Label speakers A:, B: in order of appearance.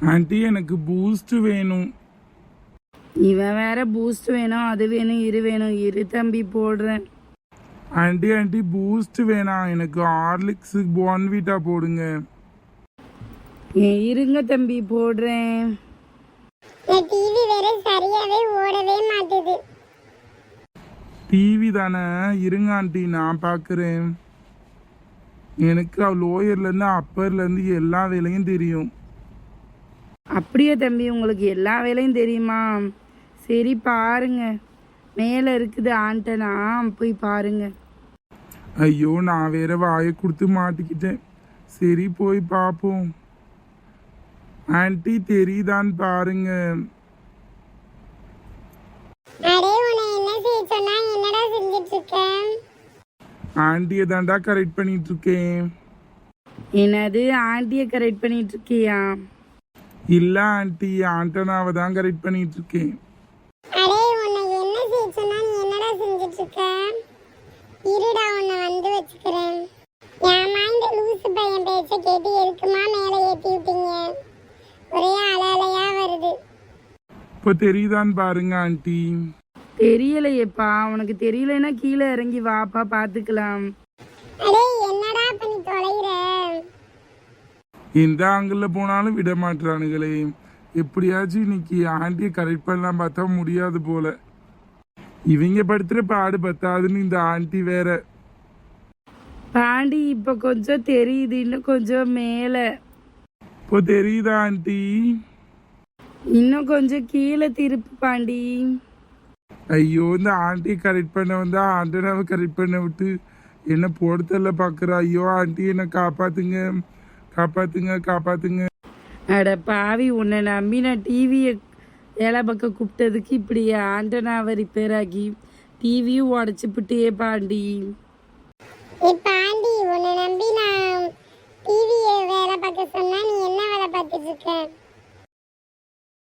A: Aunty எனக்கு boost வேணும்.
B: இவன் வேற பூஸ்ட் வேணும், அது வேணும், இரு வேணும். இரு தம்பி போடுறேன்.
A: ஆண்டி பூஸ்ட் வேணாம், எனக்கு ஹார்லிக்ஸ் போன்விட்டா போடுங்க.
B: இருங்க தம்பி போடுறேன்.
C: டிவி வேற சரியாவே ஓடவே மாட்டுது.
A: டிவி தானே, இருங்க ஆண்டி நான் பார்க்குறேன். எனக்கு லோயர்லேருந்து அப்பர்லேருந்து எல்லா வேலையும் தெரியும்.
B: அப்படியே தம்பி, உங்களுக்கு எல்லா வேலையும் தெரியுமா? சரி பாருங்க, மேலே இருக்குது ஆண்டனா, போய் பாருங்க.
A: ஐயோ நான் வேற வாயை கொடுத்து மாட்டிக்கிட்டேன். சரி போய் பார்ப்போம். ஆண்டி தெரியுதான்னு பாருங்க.
C: அடே உன்னை என்ன செய்ய சொன்னா என்னடா செஞ்சிட்டு இருக்க?
A: ஆண்டியை தாண்டா கரெக்ட் பண்ணிட்டு இருக்கேன்.
B: என்னது ஆண்டியை கரெக்ட் பண்ணிட்டு இருக்கியா?
A: இல்ல ஆண்டி, ஆண்டனாவை தான் கரெக்ட் பண்ணிட்டு இருக்கேன்.
C: அடே உன்னை என்ன செய்ய சொன்னா நீ என்னடா செஞ்சிட்டு இருக்க? இருடா உன்னை வந்து வச்சுக்கிறேன். ஏமா இந்த லூசு பையன் பேச்ச கேட்டு எதுக்குமா மேலே ஏத்தி விட்டீங்க? ஒரே அலையா வருது.
A: இப்போ தெரியுதான்னு பாருங்க ஆண்டி.
B: தெரியலையேப்பா, உனக்கு தெரியலைன்னா கீழே இறங்கி வாப்பா பார்த்துக்கலாம்.
C: அடே என்னடா பண்ணி தொலைகிற?
A: எந்த ஆங்கிள் போனாலும் விட மாட்டானுங்களே. எப்படியாச்சும் இன்னைக்கு ஆண்டியை கரெக்ட் பண்ணலாம் பார்த்தா முடியாது போல. இவங்க படுத்துற பாடு பத்தாதுன்னு இந்த ஆண்டி வேற.
B: பாண்டி இப்போ கொஞ்சம் தெரியுது, இன்னும் கொஞ்சம் மேலே.
A: இப்போ தெரியுதா ஆண்டி?
B: இன்னும் கொஞ்சம் கீழே திருப்பு பாண்டி.
A: ஐயோ இந்த ஆண்டியை கரெக்ட் பண்ண வந்தா ஆண்டனாவை கரெக்ட் பண்ண விட்டு என்ன போடுதல்ல பார்க்குறா. ஐயோ ஆண்டி என்னை காப்பாத்துங்க, காப்பாத்துங்க, காப்பாத்துங்க.
B: அட பாவி, உன்னை நம்பி நான் டிவியை வேலை பக்கம் கூப்பிட்டதுக்கு இப்படி ஆண்டனாவை ரிப்பேர் ஆகி டிவியும் உடச்சி விட்டியே பாண்டி.
C: இப்ப